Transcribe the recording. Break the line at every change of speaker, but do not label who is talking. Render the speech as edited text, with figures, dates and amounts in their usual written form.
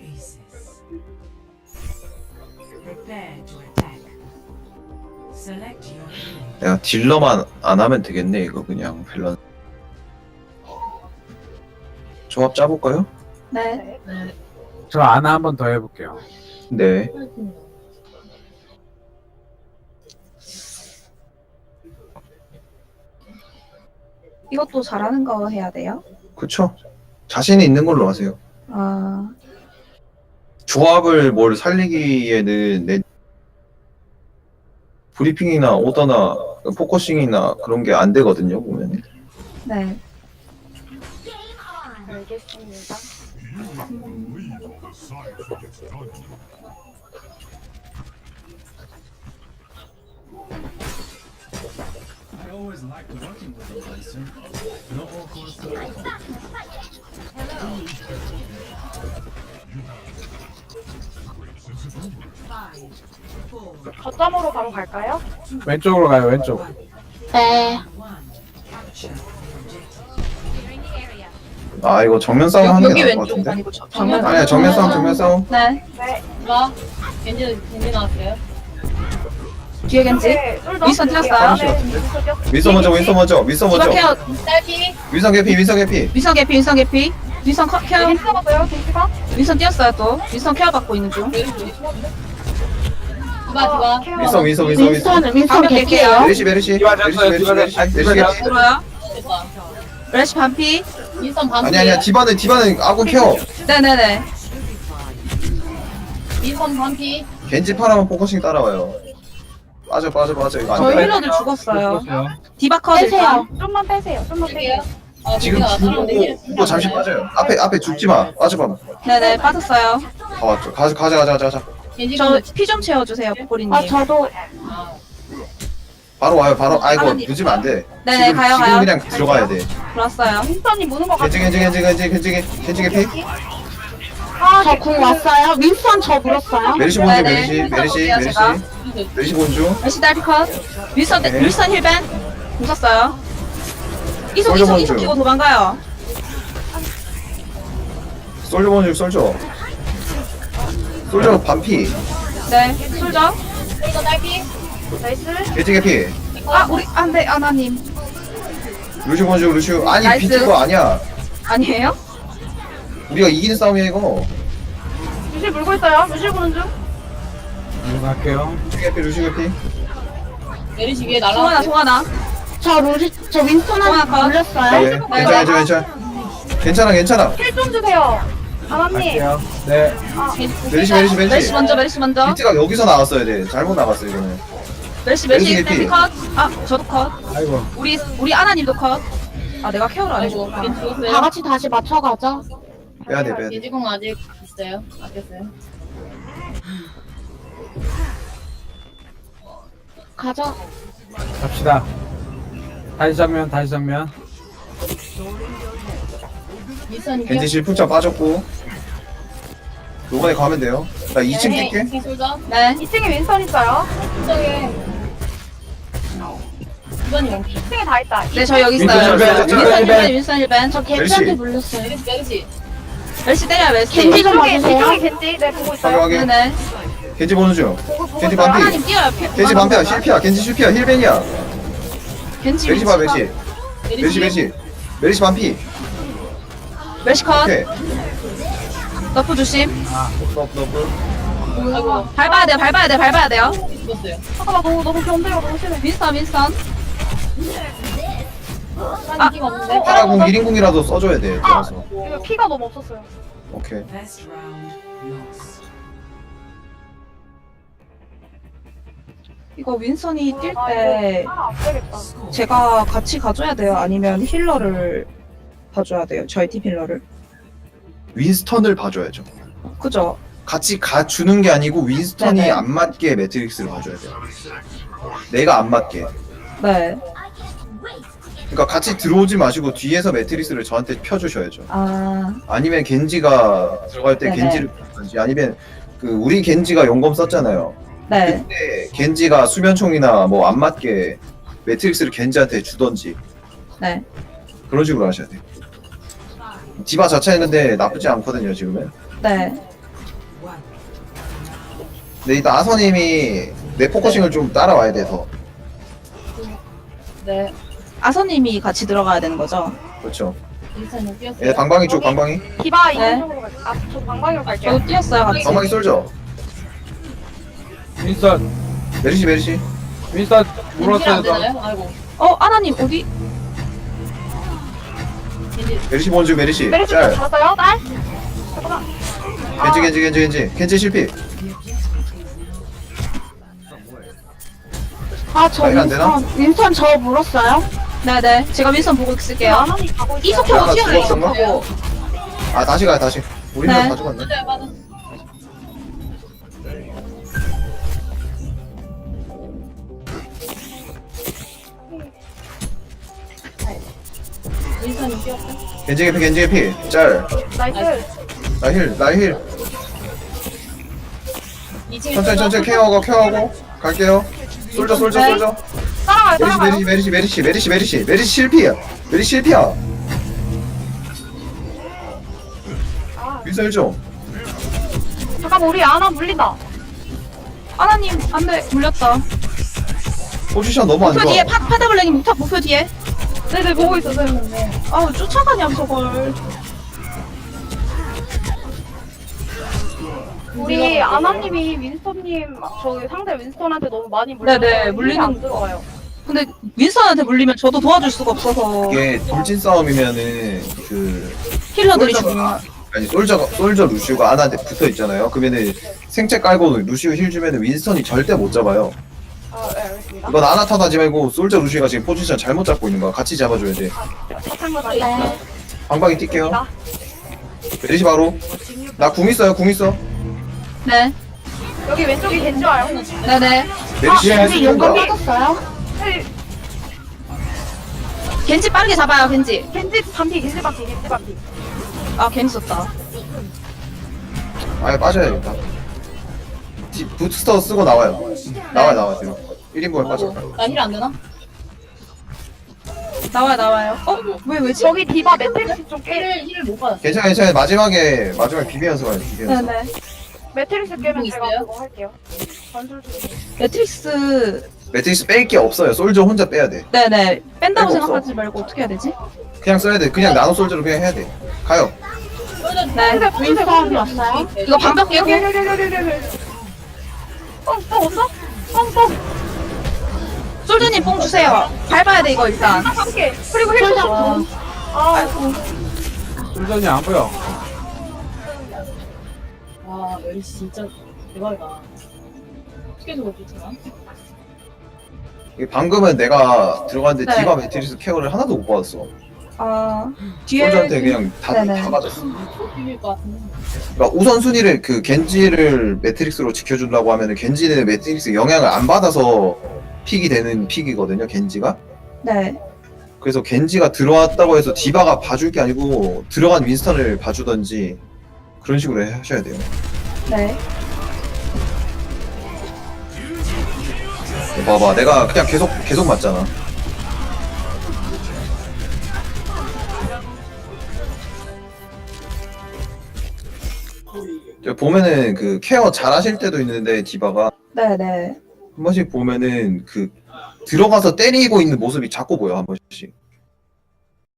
oasis. Prepare to attack. Select your hero.
내가 딜러만 안 하면 되겠네 이거 그냥 밸런스. 조합 짜볼까요?
네.
저 아나 한 번 더 해볼게요.
네.
이것도 잘하는 거 해야 돼요?
그쵸. 자신이 있는 걸로 하세요.
아,
조합을 뭘 살리기에는 내 브리핑이나 오더나 포커싱이나 그런 게 안 되거든요 보면.
네.
알겠습니다.
I always liked working with them, Tyson. No all course to welcome.
거점으로 바로 갈까요?
왼쪽으로 가요, 왼쪽.
네.
아 이거 정면 싸움 하는
여기
게 나을 것
왼쪽
같은데.
아니고 정면.
아니야 정면 싸움 정면 싸움.
네.
이거 겐지 나왔어요.
뒤에 겐지. 윈스턴 뛰었어요?
윈서 먼저 윈서 먼저 윈서
디바
먼저.
케어.
딸피.
윈서 개피 윈서 개피.
윈스턴 개피, 윈스턴 개피. 윈스턴 케어.
겐지 잡았어요, 겐지가?
윈스턴 뛰었어요 또. 윈스턴 케어 받고 있는 중.
디바.
윈서 윈서 윈서 윈서.
윈스턴
방벽 개피예요.
메리시 메리시
디바
메리시
잡았어요,
메리시
디바
메리시
잡았어요.
메리시
디바
개피.
들어요.
됐다.
레시 반피.
윈스턴 반피.
아니야 디바는 아군 케어.
네네네.
윈스턴 반피.
겐지 파라만 포커싱 따라와요. 빠져 이거 안
저희
돼.
힐러들 죽었어요.
죽었어요.
디바 컷 일단.
좀만 빼세요, 좀만 빼세요.
여기요. 아,
지금
여기가 나타나는데 힐
죽고 잠시 빠져요. 앞에 죽지 마. 빠져봐.
네네 빠졌어요.
다 왔죠. 가자.
겐지
저 피 좀 채워주세요 보리님.
저도
바로 와요. 바로. 아이고
하나님.
늦으면 안 돼.
네네,
지금
가요.
그냥 들어가야 돼.
들어왔어요.
윈스턴이 무는 것 같아요.
겐지 개피.
저 궁 왔어요. 윈스턴 저 물었어요.
메리시 본주
네네.
메리시
제가.
메리시 본주.
레시 딸피 컷. 윈스턴
네.
윈스턴 힐벤. 웃었어요. 이속
솔저
이속
먼저.
이속 키고 도망가요.
솔저 본주 솔저 반피.
네 솔져.
이거 딸피.
나이스.
겐지 개피.
아 우리 안돼 아나님
루슈 본주 루슈. 아니
나이스.
비트거 아니야.
아니에요?
우리가 이기는 싸움이야 이거.
루시 물고 있어요. 루시 보는 중.
이거 갈게요.
루슈 개피.
메리시 위에
송하나
날라왔어요.
송하나.
저 윈스턴한테
송하나 컷.
물렸어요.
괜찮아.
힐 좀 주세요. 아나님.
갈게요. 네.
메리시
메리시 먼저 메리시 먼저.
비트가 여기서 나왔어야 돼. 잘못 나갔어 이거는.
메리시
메리시
메리시
개피.
컷. 아 저도 컷.
아이고.
우리 아나님도 컷. 아 내가 케어를 안
아이고,
해줬구나.
겐지 죽었어요.
다 같이 다시 맞춰가자.
빼야 돼.
겐지 궁 아직 있어요. 아꼈어요.
가자.
갑시다. 다시 정면.
윈스턴
겐지 실풍차 빠졌고. 요번에 가면 돼요. 나 2층 뛸게.
네. 솔져.
네.
2층에 윈스턴 있어요.
솔져에. 이번이 원키.
2층에 다 있다.
네 저 여기 있어요.
윈스턴 힐벤,
윈스턴 힐벤 윈스턴 힐벤.
저
멜시.
겐지한테 물렸어요.
메리시.
메리시 때려요 메리시.
겐지 좀
이쪽에
봐주세요.
겐지. 네, 보고 있어요.
확인.
네네.
겐지 보는 중. 겐지
있어요.
반피.
아나님 뛰어요.
겐지 반피야. 실피야. 겐지 실피야. 힐벤이야.
겐지
메리시 봐 메리시. 메리시 반피.
메리시 컷.
오케이.
너프 조심.
아이고.
밟아야 돼요.
죽었어요.
잠깐만, 너무 견제가 너무 심해.
윈스턴.
한 인기가 없는데.
파라궁 1인궁이라도 써줘야 돼. 들어가서.
이거 피가 너무 없었어요.
오케이.
Best round lost.
이거 윈스턴이 뛸
아,
때
이거 안 되겠다.
제가 같이 가줘야 돼요? 아니면 힐러를 봐줘야 돼요? 저희 팀 힐러를?
윈스턴을 봐줘야죠.
그죠?
같이 가주는 게 아니고 윈스턴이
네네.
안 맞게 매트릭스를 봐줘야 돼요. 내가 안 맞게.
네.
그러니까 같이 들어오지 마시고 뒤에서 매트릭스를 저한테 펴주셔야죠.
아,
아니면 겐지가 들어갈 때
네네.
겐지를 펴든지 아니면 그 우리 겐지가 용검 썼잖아요.
네.
그때 겐지가 수면총이나 뭐 안 맞게 매트릭스를 겐지한테 주던지
네.
그런 식으로 하셔야 돼요. 디바 자체는 근데 나쁘지 않거든요 지금은.
네.
근데 일단 아서님이 내 포커싱을 좀 따라와야 돼서.
네.
아서님이 같이 들어가야 되는 거죠?
그렇죠.
인사는 뛰었어요.
예, 방방이 쪽 방방이.
디바
네.
있는 쪽으로 갈게요. 저 방방이로 갈게요.
저도 뛰었어요 같이.
방방이 쏠죠.
윈스턴
메리시.
윈스턴
안
물었어요. 저.
되나요? 아이고.
아나님 어디?
메리시 본주 메리시.
메리시
짤.
잡았어요? 딸? 잠깐만.
겐지 실패.
아저
아이가 안 되나?
윈스턴 저 물었어요?
네네. 제가 윈선 보고 있을게요.
아나님 가고 있어요.
이속하고
아까
튀어요.
죽었었나?
이속하고.
아 다시 가요 다시. 우리는
네.
다 죽었네.
맞아요, 맞아. 인사는 뛰었어요.
겐지 개피. 짤.
나이스.
나힐.
2층에
천천히 케어하고 갈게요. 솔져.
따라가요.
메리시 실피야.
아,
윈설 좀.
잠깐만 우리 아나 물린다.
아나님 안돼 물렸다.
포지션 너무 안
목표
좋아.
뒤에 파다블랙님 목표 뒤에.
네네 보고 있었어요.
아우 쫓아가냐 저걸.
우리 아나님이 윈스턴님 저기 상대 윈스턴한테 너무 많이 물려서
네네, 물리는
안 들어가요.
근데 윈선한테 물리면 저도 도와줄 수가 없어서
이게 돌진 싸움이면은 그
힐러들이
솔저가-
죽으면.
아니 솔저 루시우가 아나한테 붙어 있잖아요. 그러면은 생체 깔고 루시우 힐 주면은 윈스턴이 절대 못 잡아요.
아, 네, 알겠습니다.
이건 아나 탓하지 말고 솔저 루시우가 지금 포지션 잘못 잡고 있는 거야. 같이 잡아줘야 돼.
사탕만
네.
달려.
방방이 뛸게요. 메리시 바로. 나 궁 있어.
네.
여기 왼쪽이 겐지 와요.
네네.
메리시
겐지 용감
쏜다.
빠졌어요?
네,
겐지 빠르게 잡아요 겐지.
겐지 반피.
아 괜히 썼다.
아예 빠져야겠다. 부스터 쓰고 나와요. 나와 뒤로. 1인분에 빠져.
나힐 안 되나?
나와요. 왜지?
저기 디바 매트릭스 좀 깨.
힐을 못 받았어.
괜찮아. 마지막에 비비면서 가요. 비비면서.
네네.
매트릭스 깨면 제가
있어요?
그거 할게요. 전술 좀.
매트릭스.
매트릭스 뺄 게 없어요. 솔저 혼자 빼야 돼.
네네. 뺀다고
없어.
생각하지 말고 어떻게 해야 되지?
그냥 써야 돼. 그냥 나노 솔저로 그냥 해야 돼. 가요.
네.
윈스턴이 왔어요?
이거 방벽 깨고.
여기. 없어?
솔드님 뽕 주세요. 밟아야 돼 이거 일단.
함께. 그리고 힐
솔저
좀. 아,
솔전이 안 보여.
와, 멜시 진짜 대박이다. 어떻게 저렇게 되나?
이게 방금은 내가 들어갔는데
네.
디바 매트리스 케어를 하나도 못 받았어.
뒤에.
솔저한테 그냥 다
네네.
맞았어.
비빌 것 같은데.
그러니까 우선순위를 그 겐지를 매트릭스로 지켜준다고 하면은 겐지는 매트릭스 영향을 안 받아서 픽이 되는 픽이거든요. 겐지가.
네.
그래서 겐지가 들어왔다고 해서 디바가 봐줄 게 아니고 들어간 윈스턴을 봐주던지 그런 식으로 하셔야 돼요.
네.
봐봐, 내가 그냥 계속 맞잖아. 저 보면은 그 케어 잘 하실 때도 있는데 디바가
네네.
한 번씩 보면은 그 들어가서 때리고 있는 모습이 자꾸 보여 한 번씩.